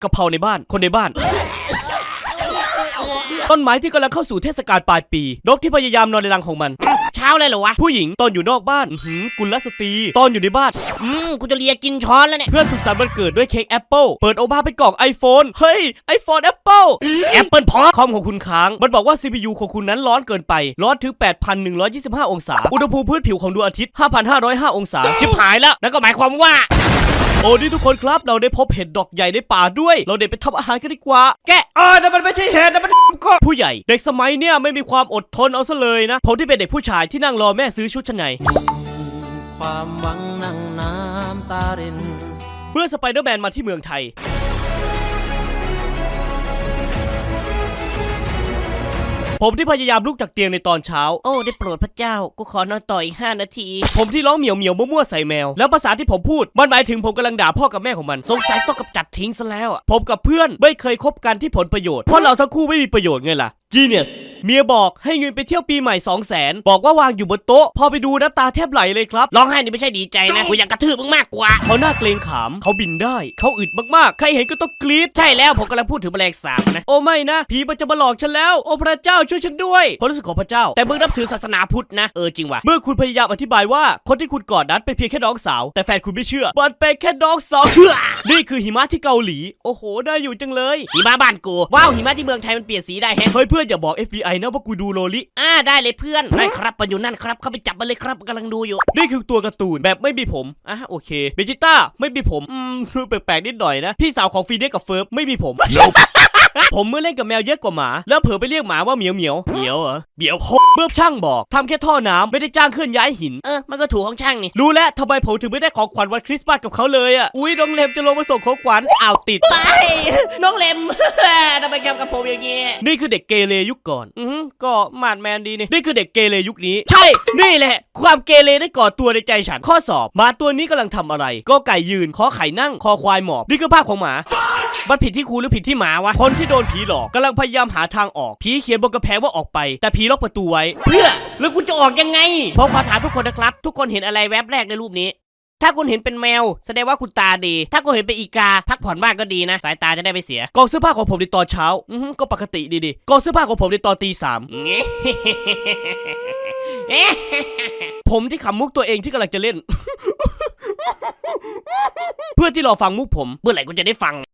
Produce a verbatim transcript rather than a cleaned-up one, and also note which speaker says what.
Speaker 1: กะเพราในบ้านคนในบ้านต้นไม้ที่กำลังเข้าสู่เทศกาลปลายปีนกที่พยายามนอนในรังของมัน
Speaker 2: เช้าเลยเหรอวะ
Speaker 1: ผู้หญิงตอนอยู่นอกบ้านหืมกุลสตรีตอนอยู่ในบ้าน
Speaker 2: อืมกูจะเลียกินช้อนแล้วเนี่ย
Speaker 1: เพื่อนสุขสันต์วันเกิดด้วยเค้กแอปเปิลเปิดออกมาเป็นกล่อง iPhone เฮ้ย iPhone แอปเปิล
Speaker 2: แอปเปิลพอ
Speaker 1: คอมของคุณค้างมันบอกว่า ซี พี ยู ของคุณนั้นร้อนเกินไปร้อนถึง แปดพันหนึ่งร้อยยี่สิบห้า องศาอุณหภูมิพื้นผิวของดวงอาทิตย์ ห้าพันห้าร้อยห้า องศา
Speaker 2: ชิบหายแล้วนั่นก็หมายความว่า
Speaker 1: โอ้นี่ทุกคนครับเราได้พบเห็ดดอกใหญ่ในป่าด้วยเราเด็ดไปทำอาหารกันดีกว่าแกะอ่านั่นมันไม่ใช่เห็ดนั่นมันก็ผู้ใหญ่เด็กสมัยเนี้ยไม่มีความอดทนเอาซะเลยนะผมที่เป็นเด็กผู้ชายที่นั่งรอแม่ซื้อชุดชั้นใน
Speaker 3: ความหวังนั่งน้ำตาริน
Speaker 1: เมื่อสไปเดอร์แมนมาที่เมืองไทยผมที่พยายามลุกจากเตียงในตอนเช้า
Speaker 2: โอ้ได้โปรดพระเจ้ากูขอนอนต่ออีกห้านาที
Speaker 1: ผมที่ร้องเหมียวเหมียวมั่วๆใส่แมวแล้วภาษาที่ผมพูดมันหมายถึงผมกำลังด่าพ่อกับแม่ของมัน
Speaker 2: สงสัยต้องกำจัดทิ้งซะแล้วอ่ะ
Speaker 1: ผมกับเพื่อนไม่เคยคบกันที่ผลประโยชน์เพราะเราทั้งคู่ไม่มีประโยชน์ไงล่ะ Genius เมียบอกให้เงินไปเที่ยวปีใหม่ สองแสน บอกว่าวางอยู่บนโต๊ะพอไปดูน้ำตาแทบไหลเลยครับ
Speaker 2: ร้องไห้นี่ไม่ใช่ดีใจนะกูอยากกระทืบมึงมากกว่า
Speaker 1: เขาหน้าเกรงขามเขาบินได้เขาอึดมากๆใครเห็นก็ต้องกรี๊ด
Speaker 2: ใช่แล้วผมกำลังพูดถึงแมลงสาบนะ
Speaker 1: โอ้ไม่นะผีมันจะมาหลอกฉันแล้วโอ้พระเจ้าช่วยฉันด้วยความรู้สึกของพระเจ้า
Speaker 2: แต่มึงนับถือศาสนาพุทธนะเออจริงว่ะ
Speaker 1: เมื่อคุณพยายามอธิบายว่าคนที่คุณกอดนั้นเป็นเพียงแค่น้องสาวแต่แฟนคุณไม่เชื่อมันเป็นแค่น้องสาวนี่คือหิมะที่เกาหลีโอ้โหได้อยู่จังเลย
Speaker 2: หิมะบ้านกูว้าวหิมะที่เมืองไทยมันเปลี่ยนสีได้แฮะ
Speaker 1: เฮ้ยเพื่อนอย่าบอก เอฟ บี ไอ นะว่ากูดูโลลิ
Speaker 2: อ่าได้เลยเพื่อนนั่นครับมันอยู่นั่นครับเข้าไปจับมันเลยครับกำลังดูอยู่
Speaker 1: นี่คือตัวการ์ตูนแบบไม่มีผมอ่ะโอเคเบจิต้าไม่มีผมอืมแปลกๆนิดหน่อยนะพี่สาวของฟีเดกับเฟิร์บไม่มีผม ผมเมื่อเล่นกับแมวเยอะกว่าหมาแล้วเผลอไปเรียกหมาว่าเหมียวเหมียวเหมียวเหรอเหมียวโคเมื่อช่างบอกทำแค่ท่อน้ำไม่ได้จ้างเคลื่อนย้ายหิน
Speaker 2: เออมันก็ถูกของช่างนี่
Speaker 1: รู้แล้วทำไมผมถึงไม่ได้ของขวัญวันคริสต์มาสกับเขาเลยอ่ะอุ้ยน้องเลมจะลงมาส่งของขวัญอ้าวติด
Speaker 2: ไปน้องเลมทำไมแกกับผมอย่างงี้
Speaker 1: นี่คือเด็กเกเรยุคก่อนอือก็มาดแมนดีนี่นี่คือเด็กเกเรยุคนี้ใช่นี่แหละความเกเรได้ก่อตัวในใจฉันข้อสอบหมาตัวนี้กำลังทำอะไรก็ไก่ยืนขอไข่นั่งคอควายหมอบนี่คือภาพของหมามันผิดที่ครูหรือผิดที่หมาวะคนที่โดนผีหลอกกำลังพยายามหาทางออกผีเขียนบนกระแพงว่าออกไปแต่ผีล็อกประตูไว้
Speaker 2: เพื่อแล้วกูจะออกยังไงผมขอถามทุกคนนะครับทุกคนเห็นอะไรแวบแรกในรูปนี้ถ้าคุณเห็นเป็นแมวแสดงว่าคุณตาดีถ้าคุณเห็นเป็นอีกาพักผ่อนบ้างก็ดีนะสายตาจะได้ไม่เสีย
Speaker 1: กองเสื้อผ้าของผมในตอนเช้าอือก็ปกติดีๆกองเสื้อผ้าของผมในตอนตีสามผมที่ขำมุกตัวเองที่กำลังจะเล่นเพื่อที่รอฟังมุกผม
Speaker 2: เมื่อไหร่กูจะได้ฟัง